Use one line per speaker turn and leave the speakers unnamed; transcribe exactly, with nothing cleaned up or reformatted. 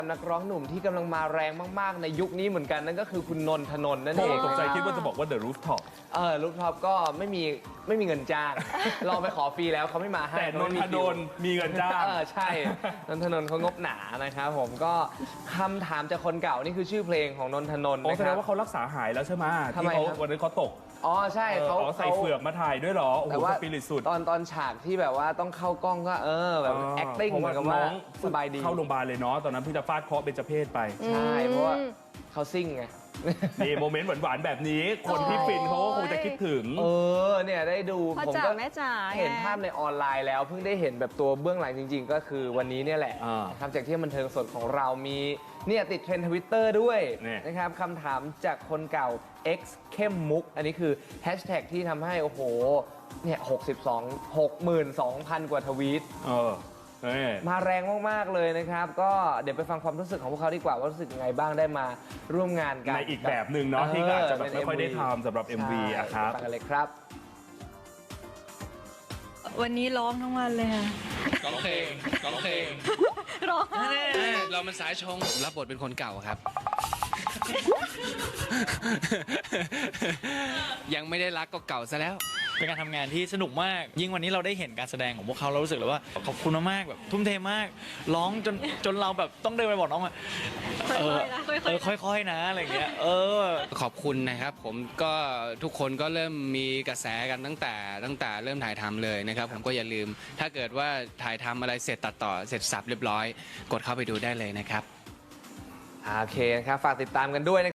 นักร้องหนุ่มที่กำลังมาแรงมากๆในยุคนี้เหมือนกันนั่นก็คือคุณนนทนนท์นั่น
โอ้
เอง
ตกใจคิดว่าจะบอกว่า The Rooftop
เออลูกท็อปก็ไม่มีไม่มีเงินจ้าง ลองไปขอฟรีแล้วเขาไม่มาให้
แต่นนทนนท์มีเงินจ้าง
เออใช่นนทนนท์เขางบหนานะครับผมก็คำถามจากคนเก่านี่คือชื่อเพลงของนนทนนท์
โอ้
นะ
แส
ค
ด
รั
ง
บ
ว่าเขารักษาหายแล้วใช่ไหม
ทำไม
ที่เขา
ครับ
วันนั้นเขาตก
อ๋อใช่เขา
อ๋อใส่เฟือกมาถ่ายด้วยเหรอโอ้โห
แต่ว่า
สปิริตสุด
ตอนตอนฉากที่แบบว่าต้องเข้ากล้องก็เออแบบ acting เหมือนกับว่า
น้อง
สบายดี
เข้าโรงพยาบาลเลยเนาะตอนนั้นเพิ่งจะฟาดเคราะห์เบญจเพศไป
ใช่เพราะว่าเขาซิ่งไง
นี่โมเมนต์หวานๆแบบนี้ คนที่ฟินเขาก็คงจะคิดถึง
เออเนี่ยได้ดู
พ่อ
ผม
จ๋า
ก็
แม่จ๋า
เห็นภาพในออนไลน์แล้วเพิ่งได้เห็นแบบตัวเบื้องหลังจริง ๆ ก็คือวันนี้เนี่ยแหละ
อ่า
นะครับจากที่บันเทิงสดของเรามีเนี่ยติดเทรนด์ทวิตเตอร์ด้วย
นี่
นะครับคำถามจากคนเก่า X เข้มมุก อันนี้คือแฮชแท็กที่ทำให้โอ้โหเนี่ยหกสิบสอง หกหมื่นสองพัน กว่าทวีต
เออนี่
มาแรงมาก ๆ เลยนะครับ ก็เดี๋ยวไปฟังความรู้สึกของพวกเขาดีกว่าว่ารู้สึกยังไงบ้างได้มาร่วมงานกัน
ในอีกแบบหนึ่งเนาะที่อาจจะแบบไม่ค่อยได้ทำสำหรับ เอ็ม วี
ใช่
อะครับ
ไปฟังกันเลยครับ
วันนี้ร้องทั้งวันเลยค่ะ
ร้องเพลงร้องเพลง
ร้องไห้
เรามันสายชงรับบทเป็นคนเก่าครับ ยังไม่ได้รักก็เก่าซะแล้ว
เป็นการทำงานที่สนุกมาก ยิ่งวันนี้เราได้เห็นการแสดงของพวกเขาเรารู้สึกเลยว่าขอบคุณมากๆแบบทุ่มเทมาก ร้องจนจนเราแบบต้องเดินไปบอกน้องว่าเออเออค่อยๆนะอะไรอย่างเงี้ยเออ
ขอบคุณนะครับผมก็ทุกคนก็เริ่มมีกระแสกันตั้งแต่ตั้งแต่เริ่มถ่ายทำเลยนะครับผมก็อย่าลืม ถ้าเกิดว่าถ่ายทำอะไรเสร็จตัดต่อเสร็จสับเรียบร้อย กดเข้าไปดูได้เลยนะครับ
โอเคนะครับ ฝากติดตามกันด้วยนะ